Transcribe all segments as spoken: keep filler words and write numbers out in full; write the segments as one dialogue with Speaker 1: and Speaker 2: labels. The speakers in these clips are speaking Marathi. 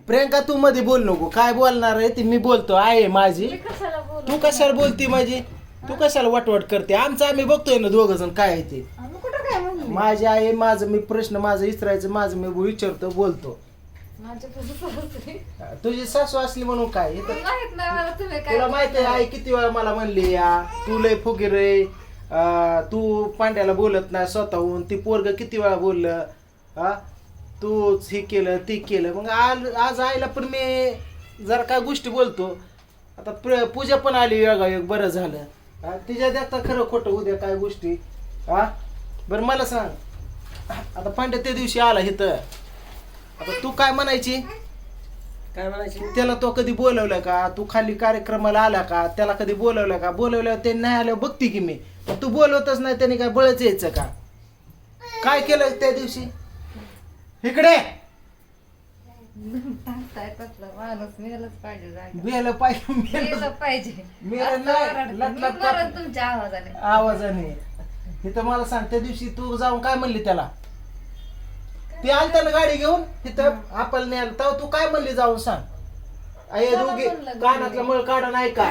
Speaker 1: प्रियंका तू मध्ये बोल नको. काय बोलणार आहे ती मी बोलतो आहे माझी. तू कशाला बोलती माझी? तू कशाला वटवट करते? आमचं आम्ही बघतोय ना दोघ जण काय आहे ते. माझी आई माझं मी प्रश्न माझं विचारायचं माझं मी विचारतो बोलतो. तुझी सासू असली म्हणून काय तुला माहिती आहे आई किती वेळा मला म्हणली या तू लय फुगीर रे, तू पांड्याला बोलत नाही स्वतःहून. ती पोरग किती वेळा बोललं हा तूच हे केलं ते केलं. मग आज आज आईला पण मी जरा काय गोष्टी बोलतो. आता प्र पूजा पण आली योगायोग बरं झालं. हा तिच्या देखता खरं खोटं उद्या काय गोष्टी. हा बरं मला सांग आता पांड्या त्या दिवशी आला इथं. आता तू काय म्हणायची
Speaker 2: काय म्हणायची
Speaker 1: त्याला तो कधी बोलवलं का? तू खाली कार्यक्रमाला आला का? त्याला कधी बोलवलं का? बोलवल्यावर ते नाही आल्यावर बघती की मी. तू बोलवतच नाही त्याने काय बळच यायचं का? काय केलं त्या दिवशी? इकडे मेलं पाहिजे
Speaker 3: तुमच्या आवाजाने
Speaker 1: आवाजाने. इथं मला सांग त्या दिवशी तू जाऊन काय म्हणली त्याला? ती आलता ना गाडी घेऊन तिथं आपण न्यायला तेव्हा तू काय म्हणली जाऊन सांग? अय दोघे कानातला मळ काढा नाही का?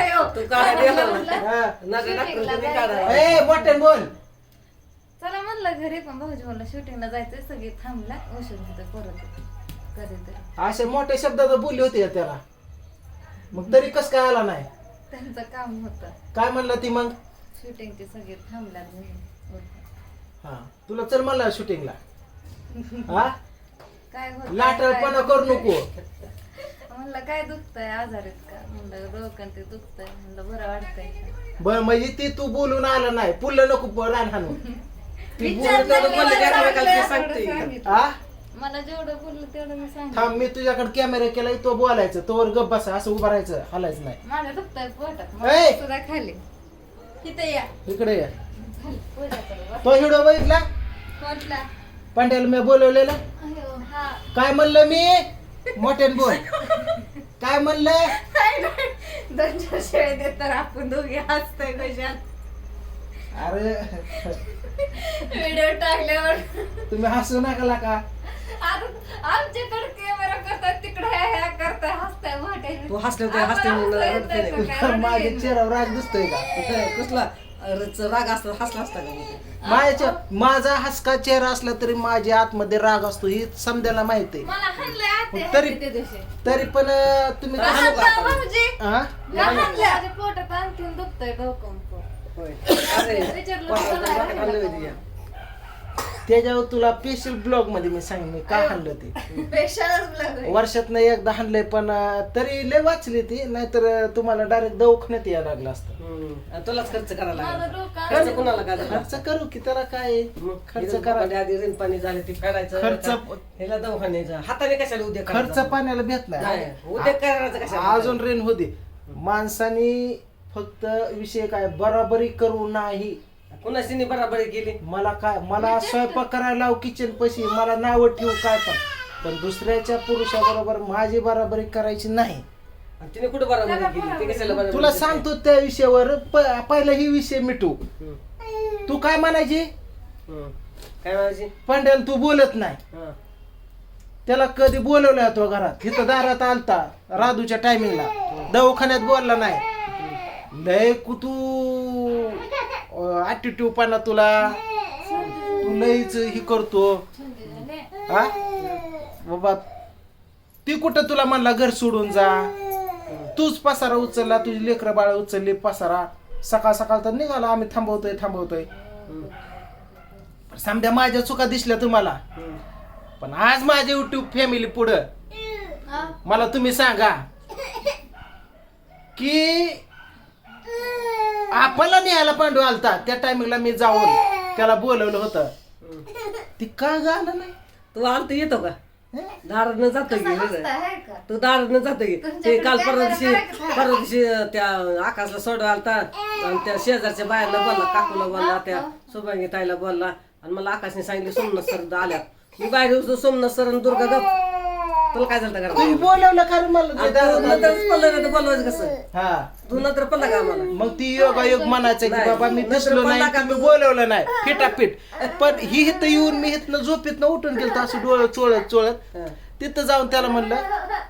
Speaker 1: मोठ्यान बोल.
Speaker 3: चला म्हणलं घरी पण भाऊजी म्हणलं शूटिंगला जायचंय सगळे थांबला उशीर होते परत कधीतरी
Speaker 1: असे मोठ्या शब्दात बोलली होती का त्याला? मग तरी कस काय आला नाही?
Speaker 3: त्यांचं काम होतं.
Speaker 1: काय म्हणलं ती मग?
Speaker 3: शूटिंगचे सगळे थांबल्या
Speaker 1: हा तुला चल म्हणलं शूटिंगला. हा
Speaker 3: काय होत
Speaker 1: लाटपणा करू नको.
Speaker 3: म्हणलं काय दुखतंय आजारीत का? म्हणलं डोकं ते दुखतंय. म्हणलं बरं वाटतंय का?
Speaker 1: बर म्हणजे ती तू बोलून आला नाही पुल्ल नको रान हाणून. ती हा
Speaker 3: मला जेवढं बोललं तेवढं मी सांगितलं.
Speaker 1: थांब मी तुझ्याकडे कॅमेरा केलाय तो बोलायचं तोवर गप बसा असं उभं राहायचं हलायचं नाही.
Speaker 3: माझ्या दुखतंय पोटात
Speaker 1: ए!
Speaker 3: मला सुद्धा खाली तिथे या
Speaker 1: इकडे या.
Speaker 3: झालं, पोटात बस.
Speaker 1: तो हिडो बघितला
Speaker 3: कोणला?
Speaker 1: पांड्याला मी बोलवलेला.
Speaker 3: अयो, हा.
Speaker 1: काय म्हणलं मी? मोठ्यान बोल. काय म्हणलं?
Speaker 3: दोन चार शेळे देत तर आपण दोघे हसतोय कशात.
Speaker 1: अरे
Speaker 3: व्हिडिओ टाकल्यावर
Speaker 1: तुम्ही हसू नका का?
Speaker 3: आता आमच्याकडे कॅमेरा करतात तिकडे ह्या ह्या करताय हसताय मोठे.
Speaker 2: तू हसले होते हसते म्हणून
Speaker 1: माझ्या चेहऱ्यावर राग दिसतोय का?
Speaker 2: कसला राग असला हसला असता का?
Speaker 1: माझ्या माझा हसका चेहरा असला तरी माझ्या आतमध्ये राग असतो ही समजायला माहिती आहे.
Speaker 3: मला हाणलंय आते
Speaker 1: तरी
Speaker 3: त्या दिवशी.
Speaker 1: तरी पण अं, तुम्ही काय
Speaker 3: हाणलं
Speaker 1: सांगू?
Speaker 3: भाऊजी.
Speaker 1: हा?
Speaker 3: माझ्या पोटात आणखीन दुखतंय डोकं.
Speaker 2: होय. अरे
Speaker 3: विचारलं
Speaker 2: पोटात
Speaker 3: तुला
Speaker 2: वाटत आणलं होतं या.
Speaker 1: त्याच्यावर तुला स्पेशल ब्लॉग मध्ये मी सांग मी काय हाणलं ते.
Speaker 3: पेशालाच लागलंय.
Speaker 1: वर्षात एकदा हाणलंय पण अं, तरी लय वाचली ती नाहीतर अं, तुम्हाला डायरेक्ट दवाखान्यात यायला लागलं असतं.
Speaker 2: हम्म. आणि तुलाच खर्च करायला
Speaker 3: माझं
Speaker 2: लागला.
Speaker 3: डोकं
Speaker 2: खर्च कुणाला काय झाला?
Speaker 1: खर्च करू की त्याला काय
Speaker 2: मग
Speaker 1: खर्च
Speaker 2: खर्च
Speaker 1: करा.
Speaker 2: करा आधी रेन पाणी झाले ते फेडायचं
Speaker 1: खर्च-
Speaker 2: आता ह्याला दवाखान्याचा हाताने कशाला उद्या
Speaker 1: खर्च पाण्याला भेट
Speaker 2: नाही
Speaker 1: नाही
Speaker 2: उद्या करायचं कशाला
Speaker 1: अजून रेन होते. माणसानी फक्त विषय काय बराबरी करू नाही.
Speaker 2: कुणाशी बराबरी केली
Speaker 1: मला काय मला स्वयंपाक करायला लाव किचन पशी मला नाव ठेवू काय पण पण दुसऱ्याच्या पुरुषाबरोबर माझी बराबरी करायची नाही.
Speaker 2: आणि तिने कुठे बराबरी केली ते कशाला बराबरी
Speaker 1: तुला
Speaker 2: केली?
Speaker 1: सांगतो त्या विषयावर प- पहिला ही विषय मिटू.
Speaker 2: हम्म.
Speaker 1: तू काय म्हणायची?
Speaker 2: हम्म. काय म्हणायची
Speaker 1: पंड्याला तू बोलत नाही.
Speaker 2: हा.
Speaker 1: त्याला कधी बोलवलं तो घरात इथं दारात आलता राधूच्या टायमिंगला दवाखान्यात बोलला नाही. लय कुतू ऍटिट्यूड पाना तुला तू लयच ही करतो. हा बाबा ती कुठं तुला म्हणला घर सोडून जा. तूच पसारा उचलला तुझी लेकरं बाळ उचलली पसारा सकाळ सकाळ तर निघाला आम्ही थांबवतोय थांबवतोय. समजा माझ्या चुका दिसल्या तुम्हाला
Speaker 2: हम्म.
Speaker 1: पण आज माझे युट्यूब फॅमिली पुढं मला तुम्ही सांगा की आपल्याला न्यायला पांडू आलता त्या टायमिंगला मी जाऊन त्याला बोलवलं होतं. ती का गाणं नाही?
Speaker 2: तू आलत येतो का दारानं जातो की
Speaker 3: हसताय हाय का?
Speaker 2: तू दारानं जातो की ते काल परवा दिवशी परवा दिवशी त्या आकाशला सोडवा आलता आणि त्या शेजारच्या बायांना बोलला काकूला बोलला त्या सुभांगी ताईला बोलला आणि मला आकाशने सांगितलं सोमनाथ सर आल्यात मी बाहेर सोमनाथ सर आणि दुर्गा गप तुला काय झालं
Speaker 1: तुम्ही
Speaker 2: का
Speaker 1: बोलवलं का रे मला ते दारात?
Speaker 2: नंतरच पडलं नाही तर बोलवायचं कसं
Speaker 1: हा
Speaker 2: तू नंतर पडला का आम्हाला
Speaker 1: मग ती योगायोग म्हणायचं की
Speaker 2: नाही.
Speaker 1: बाबा मी
Speaker 2: नंतर
Speaker 1: दिसलो
Speaker 2: पडला
Speaker 1: नाही
Speaker 2: का
Speaker 1: तुम्ही
Speaker 2: तू?
Speaker 1: बोलवलं नाही फिटाफिट पण ही इथं येऊन मी इथनं झोपेतनं उठून गेलो असं डोळं चोळत चोळत
Speaker 2: हा.
Speaker 1: तिथं जाऊन त्याला म्हणलं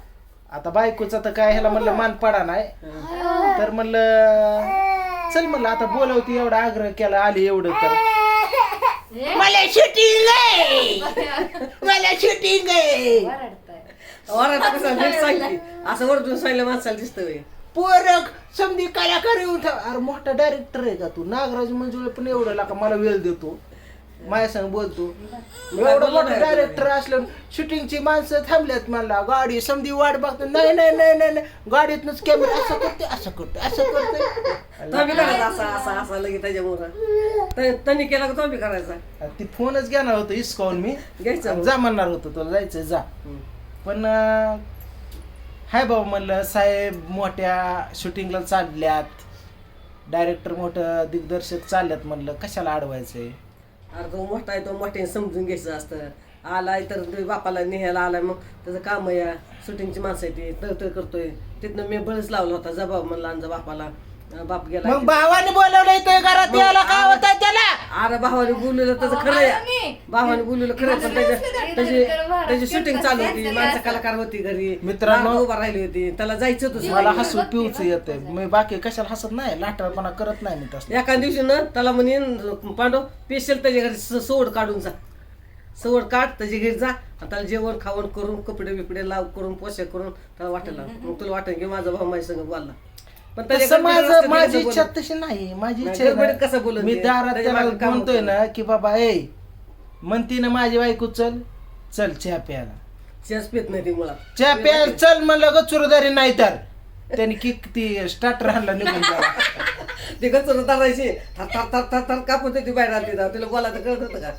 Speaker 1: आता बायकोचा तर काय ह्याला म्हणलं मान पडा नाही तर म्हणलं चल म्हणलं आता बोलवती एवढा आग्रह केला आली एवढं तर मला शूटिंग आहे मला शूटिंग आहे
Speaker 3: वरडताय.
Speaker 2: ओरडा कसा नीट सांगते असं ओरडून सांगितलं माणसाला दिसतं
Speaker 1: पोरक समधी कलाकार येऊन ठेव. अरे मोठा डायरेक्टर आहे का तू नागराज मंजुळे पण एवढं लाका मला वेळ देतो माझ्या संग बोलतो एवढं मोठं डायरेक्टर असलं शूटिंगची माणसं थांबल्यात मला गाडी समधी वाट बघतो नाही नाही नाही नाही नाही. गाडीतनच कॅमेरा असं करते असं करते असं करते
Speaker 2: तुम्ही करायचा असा असा असा लगेच त्याच्यामुळं त्यांनी केला का तुम्ही करायचा
Speaker 1: ती फोनच घेणार होतो इसकावून मी
Speaker 2: घ्यायचं
Speaker 1: जा म्हणणार होतो तुला जायचं जा पण अं, हाय बाबा म्हणलं साहेब मोठ्या शूटिंगला चालल्यात डायरेक्टर मोठं दिग्दर्शक चालल्यात म्हणलं कशाला अडवायचंय
Speaker 2: अरे तो मोठा आहे तो मोठ्याने समजून घ्यायचं असतं आलाय तर ते बापाला नेहायला आलाय मग त्याचं काम आहे या शूटिंगची माणसं आहे ती तळतळ करतोय तिथनं मी बळच लावला होता जा बाबा म्हणला आमचा बापाला बाप गेला
Speaker 1: मग भावाने बोलवलंय ते घरात यायला काय होत त्याला
Speaker 2: अरे भावाने बोललेलं त्याचं खरं आहे भावाने बोललेलं खरं आहे, पण त्याच्या त्याची त्याची शूटिंग चालू होती माणसं कलाकार होती घरी
Speaker 1: मित्रांनो,
Speaker 2: रांग उभा राहिली होती त्याला जायचं होतं
Speaker 1: मला हसू पिऊच येते मी बाकी कशाला हसत नाही लाटाळपणा करत नाही मी तसं
Speaker 2: एका दिवशी ना त्याला म्हणे पांडव स्पेशल त्याच्या घरी स- सवड काढून जा सवड काढ त्याच्या घरी जा आणि त्याला जेवण खावण करून कपडे बिपडे लाव करून पोशाख करून त्याला वाटायला मग तुला वाटेल की माझा भाऊ माझ्या संग बोलला पण त्याच्या
Speaker 1: तसं
Speaker 2: गडबडीत
Speaker 1: माझं
Speaker 2: असतं,
Speaker 1: माझी
Speaker 2: त्याचं
Speaker 1: इच्छा
Speaker 2: बोलणं.
Speaker 1: तशी नाही माझी
Speaker 2: नाही,
Speaker 1: इच्छा आहे
Speaker 2: गडबडीत
Speaker 1: ना,
Speaker 2: कसं बोलत
Speaker 1: मी
Speaker 2: ते?
Speaker 1: दारात
Speaker 2: त्याच्या
Speaker 1: त्याला
Speaker 2: मागं काम
Speaker 1: म्हणतोय
Speaker 2: होतं.
Speaker 1: ना की बाबा ए म्हणती ना माझी बायको चल चल चहा प्यायला
Speaker 2: चहाच पित नाही ती मुळात
Speaker 1: चहा प्यायला चल म्हणलं ग चुरदारी नाही तर त्याने किक ती स्टार्टर आणला निघून गेला.
Speaker 2: ती गचर धरायची थर थर थर थर थर कापत होती बाहेर आली तिला तिला बोलायचं कळत होतं का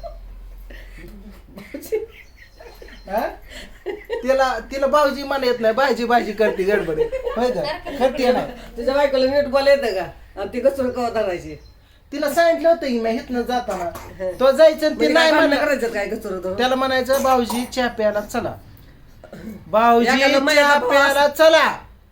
Speaker 1: हा? तिला तिला भाऊजी मला येत नाही भाजी भाजी करते गडबडी होय का करते नाही
Speaker 2: तुझ्या बायकोला नीट बोला येतं का आणि ती गचर कवा धरायची
Speaker 1: तिला सांगितलं होतं की मी हिथनं जाताना तो जायचं आणि ते नाही
Speaker 2: भांडणं
Speaker 1: म्हणलं
Speaker 2: करायचं काय गचर धरून
Speaker 1: त्याला म्हणायचं भाऊजी चहा प्यायला चला भाऊजी
Speaker 2: एखादा महिन्याचा
Speaker 1: चहा
Speaker 2: भाऊ
Speaker 1: प्यायला चला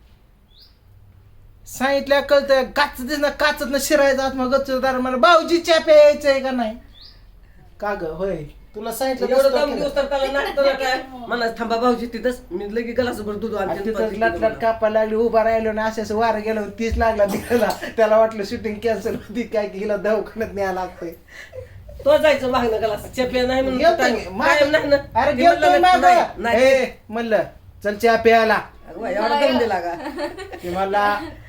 Speaker 1: सांगितलं कळतं काच दिसणं काचत न शिरायचं आत मग गच्चदार म्हणा भाऊजी चहा प्यायचंय का नाही का ग होय तुला सांगितलं
Speaker 2: एवढं
Speaker 1: तसं
Speaker 2: दम
Speaker 1: केलं.
Speaker 2: दिवस तर त्याला नाटतं ना काय म्हणा थांबा भाऊजी तिथंच मी लगे गलासभर दूध
Speaker 1: आणि
Speaker 2: आणते
Speaker 1: तिथं लाट लाट कापायला लागली उभा राहिलो ना असं असं वारं गेलं तीच लागला तिला त्याला वाटलं शूटिंग कॅन्सल होती काय की हिला दवाखान्यात न्यायला लागतंय
Speaker 2: तो जायचं मागणं गलास चेप्या नाही म्हणून
Speaker 1: गेलतो
Speaker 2: कायम-
Speaker 1: मी.
Speaker 2: कायम नाही ना.
Speaker 1: अरे
Speaker 2: ती म्हणलं
Speaker 1: गेलतोय
Speaker 2: नाही, नाही,
Speaker 1: मागं.
Speaker 2: नाही.
Speaker 1: ए, म्हणलं चल चहा प्यायला
Speaker 2: अगं बाई, एवढा दम दिला का
Speaker 1: की मला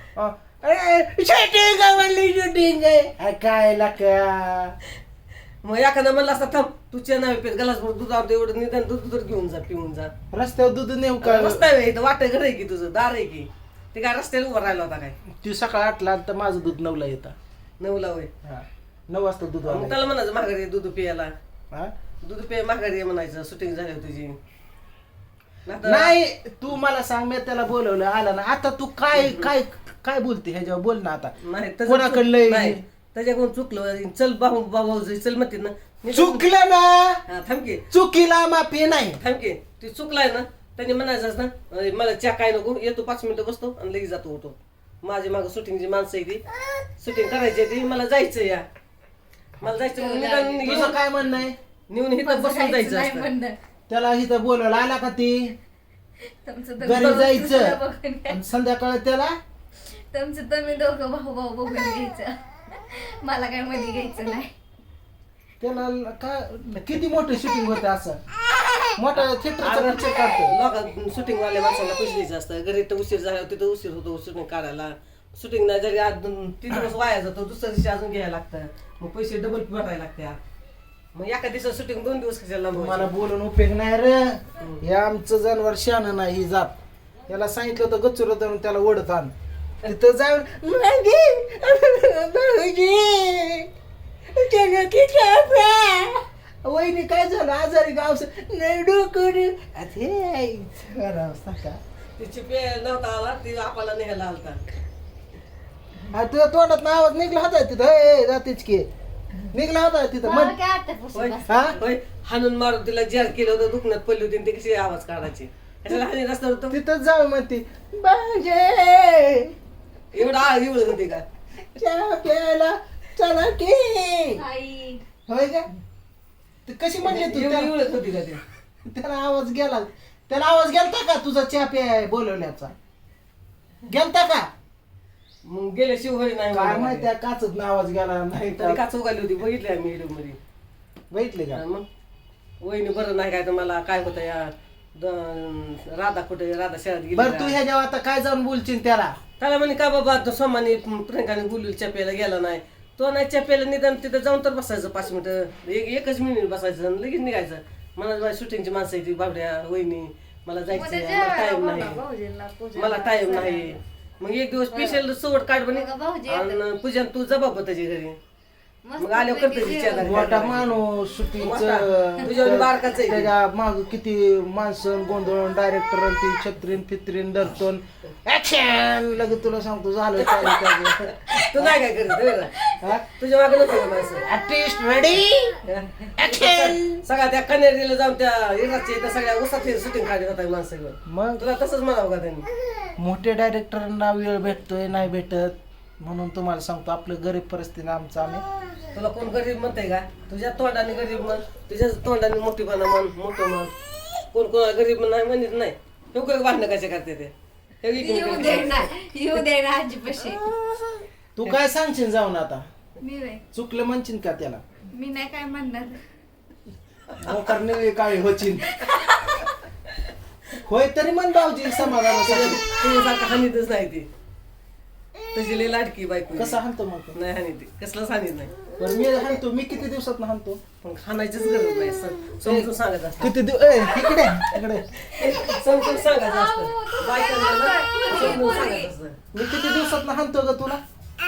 Speaker 1: शूटिंग आहे म्हणली शूटिंग आहे अरे काय लाका
Speaker 2: मग एखादा म्हणलं असता थांब तू चहा नाही पेत गलासभर दूध आणतो एवढं निदान दूध तर घेऊन जा पिऊन जा
Speaker 1: रस्त्यावर दूध नेऊ का
Speaker 2: रस्ता आहे इथं वाटत घर आहे की तुझं दार आहे की ते काय रस्त्याला उभा राहिला होता काय
Speaker 1: ती सकाळ आठला तर माझं दूध नऊला येतं
Speaker 2: नऊला होय
Speaker 1: हा नऊ वाजता दूध
Speaker 2: मग
Speaker 1: आलं.
Speaker 2: त्याला म्हणायचं माघारी ये दूध पियाला
Speaker 1: हा?
Speaker 2: दूध पे माघारी ये म्हणायचं शूटिंग झाली तुझी नाहीतर-
Speaker 1: नाही तू मला सांग मी त्याला बोलवलं आला ना आता तू काय काय काय बोलते ह्याच्यावर बोल ना आता
Speaker 2: नाही त्याचं
Speaker 1: कोणाकडलं
Speaker 2: चूक-
Speaker 1: आहे?
Speaker 2: नाही त्याच्याकडून चुकलं चल भाऊ भाऊ जाई, चल म्हणते ना मी तर-
Speaker 1: चुकलं ना
Speaker 2: हा, थांब की
Speaker 1: चुकीला माफी नाही
Speaker 2: थांब की ती चुकलाय ना त्यांनी म्हणायचं ना अरे मला चहा काय नको येतो पाच मिनिटं बसतो आणि लगेच जातो उठो माझी मागं शूटिंगची माणसं आहे ती शूटिंग करायची आहे ती मला जायचं या मला जायचं मग निदान
Speaker 1: तुझं
Speaker 2: घेऊन-
Speaker 1: काय म्हणणं आहे
Speaker 2: नेऊन इथं बसून जायचं
Speaker 3: नाही
Speaker 2: असतं.
Speaker 3: म्हणणं.
Speaker 1: त्याला इथं बोलवलं आला का ती
Speaker 3: तुमचं तर
Speaker 1: घरी
Speaker 3: दुसरं
Speaker 1: जायचं
Speaker 3: बघून घ्या.
Speaker 1: आणि संध्याकाळ त्याला
Speaker 3: तुमचं तुम्ही दोघं भाऊ भाऊ बघून घ्यायचं मला काय मध्ये घ्यायचं नाही
Speaker 1: त्याला का किती मोठं शूटिंग होतं असं मोठा थिएटरचा पिक्चर काढतो
Speaker 2: लोक शूटिंग वाल्या माणसाला पैसे द्यायचे असतं घरी तर उशीर झाला तिथं उशीर होतो शूटिंग काढायला शूटिंग नाही जरी आज दोन- तीन दिवस वाया जातो दुसऱ्या दिवशी अजून घ्यायला लागतं मग पैसे डबल भरायला लागतात मग एका दिवसात शूटिंग दोन दिवस कशाला
Speaker 1: मला
Speaker 2: लांबवायचं?
Speaker 1: बोलून उपयोग नाही रे हे आमचं जनावर शान नाही ही जात याला सांगितलं होतं गच्चूर धरून त्याला ओढत आण तिथं जाऊन "मागे, भाऊजी, त्याला की कापा." वहिनी काय झालं आजारी गाव नाही डोकं का
Speaker 2: तिची पे नव्हता आला ती आपल्याला न्यायला आलता
Speaker 1: तुझ्या तोंडात आवाज निघला होता तिथं "ए, जातीच की निघला होता तिथं
Speaker 3: मला
Speaker 1: म्हण
Speaker 3: काय आत्यापासून
Speaker 2: होय
Speaker 3: बस.
Speaker 1: हा
Speaker 2: होय हाणून मारून तिला जार केलं होतं दुखण्यात पडली होती आणि ती कशी आवाज काढायची कशाला हानी रस्त्यावर होतं
Speaker 1: तिथं जाऊ म्हणते बाजे
Speaker 2: एवढा आळ एवढं होती का
Speaker 1: चहा प्यायला चला की
Speaker 3: आई
Speaker 1: होय का ते कशी म्हणली तू
Speaker 2: एवढी
Speaker 1: त्याला
Speaker 2: एवढंच होती का ती
Speaker 1: त्याला आवाज गेला त्याला आवाज गेलता का तुझा चहा प्याय बोलवण्याचा गेलता का
Speaker 2: मग गेल्याशिवाय होय नाही
Speaker 1: काय
Speaker 2: मला
Speaker 1: माहिती
Speaker 2: माहिती.
Speaker 1: काचच आवाज गेला नाही
Speaker 2: तरी
Speaker 1: तर
Speaker 2: काच उगाली होती बघितली आम्ही व्हिडिओ मध्ये
Speaker 1: बघितले का
Speaker 2: हा, मग वहिनी बरं नाही काय तर मला काय होतं या द- राधा कुठे राधा शहरात गेली
Speaker 1: बर तू
Speaker 2: का?
Speaker 1: ह्याच्यावर आता काय जाऊन बोलशील त्याला
Speaker 2: त्याला म्हणे का बाबा तो सोमाने प्रियंकाने बोलली चप्याला गेला नाही तो नाही चप्याला निदान तिथं जाऊन तर बसायचं पाच मिनिटं एक एकच मिनिट बसायचं आणि लगेच निघायचं मला शूटिंगची माणसं येते बाबड्या वहिनी मला जायचं
Speaker 3: उद्या
Speaker 2: मला
Speaker 3: जेवायला
Speaker 2: टाइम
Speaker 3: बोलवा
Speaker 2: नाही
Speaker 3: भाऊजींना, पूजेला,
Speaker 2: मला टाइम
Speaker 3: सगळ्यांना.
Speaker 2: नाही मग एक दिवस स्पेशल सोबत काढ बने
Speaker 3: मग भाऊजी येतात.
Speaker 2: आणि पूजन तू जबाब त्याच्या घरी
Speaker 3: मस्त
Speaker 2: मग आल्यावर
Speaker 3: पैकी
Speaker 2: करते
Speaker 3: जेवण.
Speaker 2: विचार.
Speaker 1: मोठा माणूस
Speaker 2: मोठा. तुझ्यावर बारकाच आहे.
Speaker 1: त्याच्या माग किती माणसं गोंधळ डायरेक्टर ती छत्रीन फित्रीन धरतोन ऍक्शन लगेच तुला सांगतो झालं काय
Speaker 2: तू नाही काय करत तुझ्या मागे नको का माणसं
Speaker 1: आर्टिस्ट रेडी ऍक्शन
Speaker 2: सगळ्या त्या कन्यारीला जाऊन त्या इराच्या इथं सगळ्या उसात शूटिंग काढत होता माणसं घेऊन.
Speaker 1: मग
Speaker 2: तुला तसंच म्हणावं का त्यांनी
Speaker 1: मोठे डायरेक्टरांना वेळ भेटतोय नाही भेटत म्हणून तुम्हाला सांगतो आपलं गरीब परिस्थिती आमचं आम्ही
Speaker 2: तुला कोण गरीब म्हणते का तुझ्या तोंडाने गरीब म्हण तुझ्या तोंडाने मोठीपणा म्हण मोठं म्हण कोण कोणाला गरीब नाही म्हणत नाही हे काय भांडणं कसे करते ते हे इकडे
Speaker 3: येऊ
Speaker 2: इकडे.
Speaker 3: दे ना येऊ दे ना आजीपाशी
Speaker 1: तू काय सांगशील जाऊन आता
Speaker 3: मी नाही
Speaker 1: चुकलं म्हणशील का त्याला
Speaker 3: मी नाही काय म्हणणार
Speaker 1: मोकार नव्हे काळी होचीन होय तरी म्हण भाऊजी समाधानासाठी
Speaker 2: तुझ्यासारखं हानीतच नाही ती तशी लई लाडकी बायको
Speaker 1: कसं हाणतो मग तो?
Speaker 2: नाही हानी ती कसलंच हानीत नाही
Speaker 1: बरं मी हाणतो मी किती दिवसात हाणतो
Speaker 2: पण खाण्याचीच गरज नाही स- समजून सांगत असतं
Speaker 1: किती दिवस ए इकडे इकडे
Speaker 2: समजून सांगायचं असतं बायकांना ना समजून सांगायचं असतं
Speaker 1: मी किती दिवसात हाणतो ग तुला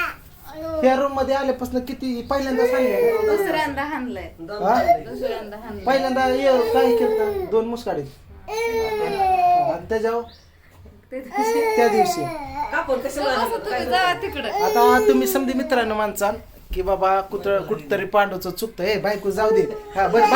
Speaker 1: त्या रूम मध्ये आल्यापासून किती पहिल्यांदा सांगितलं
Speaker 3: दुसऱ्यांदा हाणलंय
Speaker 2: दम
Speaker 1: हा?
Speaker 2: झालंय.
Speaker 3: दुसऱ्यांदा हाणलंय
Speaker 1: पहिल्यांदा ये काय केलं दोन मुसकाडीत आणि त्याच्यावर
Speaker 3: ते दिवशी-
Speaker 1: त्या दिवशी
Speaker 2: का पण कशाला
Speaker 3: असं
Speaker 2: हाणलं?
Speaker 3: तुम्ही
Speaker 2: काय
Speaker 3: जावा तिकडं
Speaker 1: आता तुम्ही समधी मित्रांनो माणसाल की बाबा कुठ कुठतरी पांडूचं चुकतं हे बायको जाऊ दे हा बरं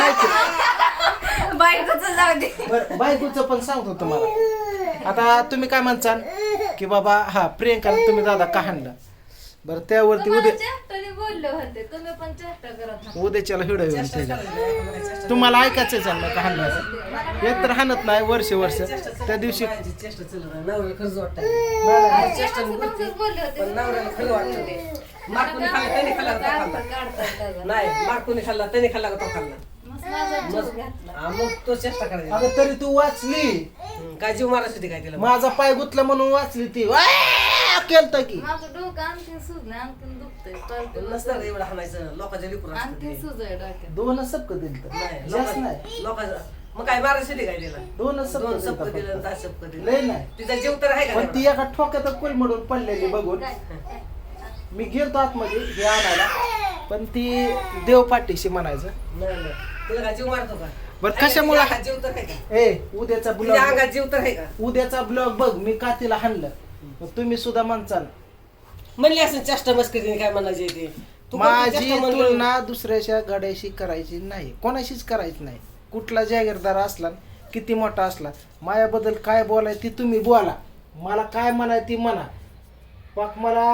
Speaker 1: बायको
Speaker 3: बायकोच जाऊ दे
Speaker 1: बरं बायकोचं पण सांगतो तुम्हाला आता तुम्ही काय म्हणसाल की बाबा हा प्रियंकाला तुम्ही दादा का हाणलं बरं त्यावरती
Speaker 3: तुम्हाला
Speaker 1: उद्या
Speaker 3: चेष्टाने बोलले होते तुम्ही पण चेष्टा करत होता.
Speaker 1: उद्याच्याला हिडो येऊन
Speaker 2: चेष्टा
Speaker 1: त्याच्या
Speaker 2: करायची नाही, चेष्टा-
Speaker 1: तुम्हाला ऐकायचं चाललं का हाणलं एक तर हाणत नाही वर्ष वर्ष त्या दिवशी
Speaker 2: बायाची चेष्टा चालू नाही. नवऱ्याला खरंच वाटतं
Speaker 1: नाही,
Speaker 2: चेष्टा
Speaker 3: असं तुमचंच बोलले होते.
Speaker 2: पण नवऱ्याला खरं वाटतं मारकुनी खाल्ला त्याने खाल्ला का तो खाल्ला
Speaker 3: काढतात त्याचा.
Speaker 2: नाही मारकुनी खाल्ला त्याने खाल्ला का तो खाल्ला
Speaker 3: मस्त माझा जीव घातला.
Speaker 2: हा, मग तो चेष्टा करायचा
Speaker 1: अगं तरी तू वाचली
Speaker 2: हम्म, काय जीव मारायची होती काय तिला
Speaker 1: माझा पाय गुतला म्हणून वाचली ती केलत की
Speaker 3: माझं डोकं आणखीन सुजलं आणखीन दुखतंय कळतं.
Speaker 2: नसतं रे एवढं हाणायचं लोकांच्या लिकूर असतं
Speaker 3: आणखीन
Speaker 2: ते.
Speaker 3: सुजय डोक्यात
Speaker 1: दोनच सबक दिल
Speaker 2: नाही
Speaker 1: जास्त नाही
Speaker 2: लोकांचं लोकांचं मग काय मारायची होती काय तिला
Speaker 1: दोनच
Speaker 2: दोन
Speaker 1: सबक
Speaker 2: सप्प दिलं आणि
Speaker 1: दिलं
Speaker 2: दहा सप्प दिलं
Speaker 1: लय नाही
Speaker 2: तिचा जीव तर आहे का
Speaker 1: पण ती
Speaker 2: तेवढा?
Speaker 1: एका ठोक्यात कोलमडून पडलेली बघून मी गेलतो आतमध्ये हे आणायला पण ती देव पाठीशी म्हणायचं
Speaker 2: नाही नाही तिला काय जीव मारतो का
Speaker 1: बरं कशामुळे
Speaker 2: तिच्या अंगात जीव तर आहे का
Speaker 1: ए उद्याचा
Speaker 2: तिच्या
Speaker 1: ब्लॉग
Speaker 2: अंगात जीव तर आहे का
Speaker 1: उद्याचा ब्लॉग बघ मी का तिला हाणलं मग तुम्ही सुद्धा म्हणचाल
Speaker 2: म्हणली असं चेष्टा मस्करीने काय म्हणायचे ते तू कोणती
Speaker 1: माझी
Speaker 2: चेष्टा म्हणली?
Speaker 1: तुलना दुसऱ्याच्या गाड्याशी करायची नाही कोणाशीच करायची नाही कुठला जागीरदार असला किती मोठा असला माझ्याबद्दल काय बोलाय ती तुम्ही बोला मला काय म्हणाय ती म्हणा पाक मला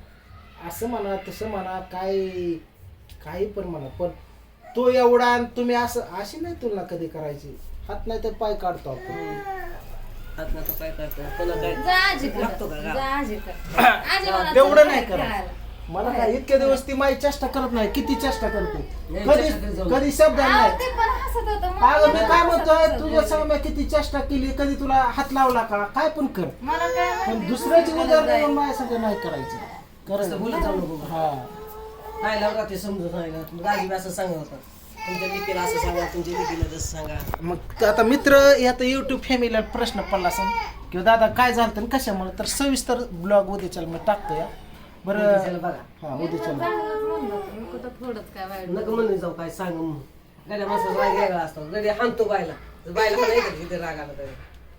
Speaker 1: असं म्हणा तसं म्हणा काय काही पण म्हणा पण तो एवढा आणि तुम्ही असं अशी नाही तुलना कधी करायची हात नाही तर पाय काढतो आपण
Speaker 2: हात नातं काय करतो कोणा काय
Speaker 3: जा आजीकडं.
Speaker 2: लागतो का गाव?
Speaker 3: जा आजीकडं. आजी म्हणा
Speaker 1: तेवढं
Speaker 3: चल
Speaker 1: नाही
Speaker 3: खेळायला.
Speaker 1: करत मला काय इतके दिवस ती माझी चेष्टा करत नाही किती चेष्टा करते
Speaker 2: नाही,
Speaker 1: कधी
Speaker 2: चेष्टा करत जाऊ
Speaker 1: कधी शब्द
Speaker 3: अहो,
Speaker 1: नाही
Speaker 3: ते पण हसत होतं.
Speaker 1: अगं मी
Speaker 3: मला
Speaker 1: काय
Speaker 3: हसत
Speaker 1: म्हणतोय
Speaker 3: हसत
Speaker 1: तुझ्या
Speaker 3: बोलले.
Speaker 1: संग मी किती चेष्टा केली कधी तुला हात लावला का काय पण कर
Speaker 3: मला काय
Speaker 1: पण
Speaker 3: माहिती,
Speaker 1: दुसऱ्याची
Speaker 3: तुमची
Speaker 1: उदाहरण
Speaker 3: गरज
Speaker 1: येऊन
Speaker 3: आहे.
Speaker 1: माझ्या संग नाही करायचं
Speaker 2: असं
Speaker 1: करायचं
Speaker 2: बोलत जाऊ नको
Speaker 1: हा
Speaker 2: काय लावला ते समजून सांगितलं राजीव असं सांगत होता तुमच्या लिकीला असं सांगा तुमच्या लिकीला तसं सांगा
Speaker 1: मग आता मित्र आता युट्यूब फॅमिलीला प्रश्न पडला असेल किंवा दादा काय झालं तर कशामुळे तर सविस्तर ब्लॉग उद्याच्या मी टाकतो या
Speaker 2: उद्याच्याला
Speaker 1: बरं
Speaker 2: बघा
Speaker 1: हा उद्याच्या
Speaker 3: चांगलंच म्हणलं होतं. मी कुठं थोडंच काय वाईट
Speaker 2: नको म्हणून जाऊ काय सांग मग. गड्या माणसाचा राग वेगळा असतो गडी हाणतो बायला तर बायला पण येतं किती राग आला तरी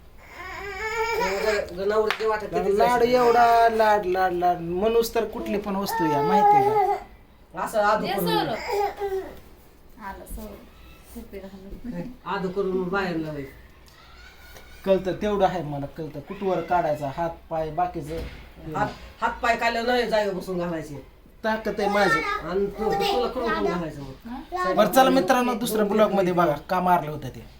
Speaker 2: नवरती वाटत किती
Speaker 1: लाड
Speaker 2: जायचं.
Speaker 1: एवढा लाड लाड लाड म्हणूस तर कुठली पण वस्तू या माहितीये का
Speaker 2: असं आदू
Speaker 3: ये
Speaker 2: करून
Speaker 3: सोडं. आलं सोडं. शिपी घालून.
Speaker 2: आदू करून बाहेर लावाय
Speaker 1: कळतं तेवढं आहे मला कळतं कुठवर काढायचा हात पाय बाकीचं
Speaker 2: हात हात पाय काढल्यावर नाही जागेवर बसून घालायचे
Speaker 1: ताकद आहे माझी
Speaker 2: आणि तू- तुला करून पण घालायचं मग
Speaker 1: बरं चला मित्रांनो दुसऱ्या ब्लॉग मध्ये बघा का मारलं होतं ते